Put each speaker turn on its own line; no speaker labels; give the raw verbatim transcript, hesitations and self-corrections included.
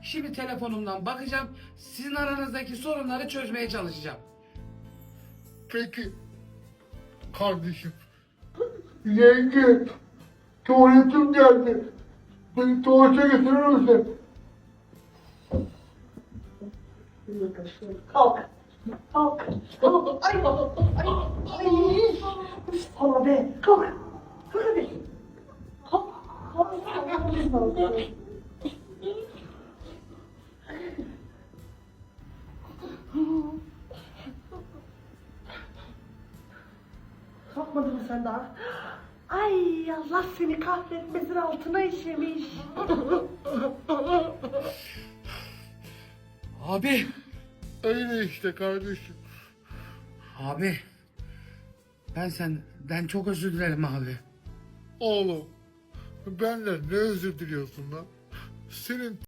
Şimdi telefonumdan bakacağım. Sizin aranızdaki sorunları çözmeye çalışacağım.
Peki. Kardeşim. Yenge. Tuvaletim geldi. Beni tuvalete götürür müsün?
Kalk. Kalk. Kalk. Ay. Ay. Ay. Sana be. Kalk. Kalk hadi. Kalk. Kalk. Kalkmadın mı sen daha? Ay Allah seni kahretmesin, altına işemiş.
Abi.
Öyle işte kardeşim.
Abi. Ben senden çok özür dilerim abi.
Oğlum. Benden ne özür diliyorsun lan? Senin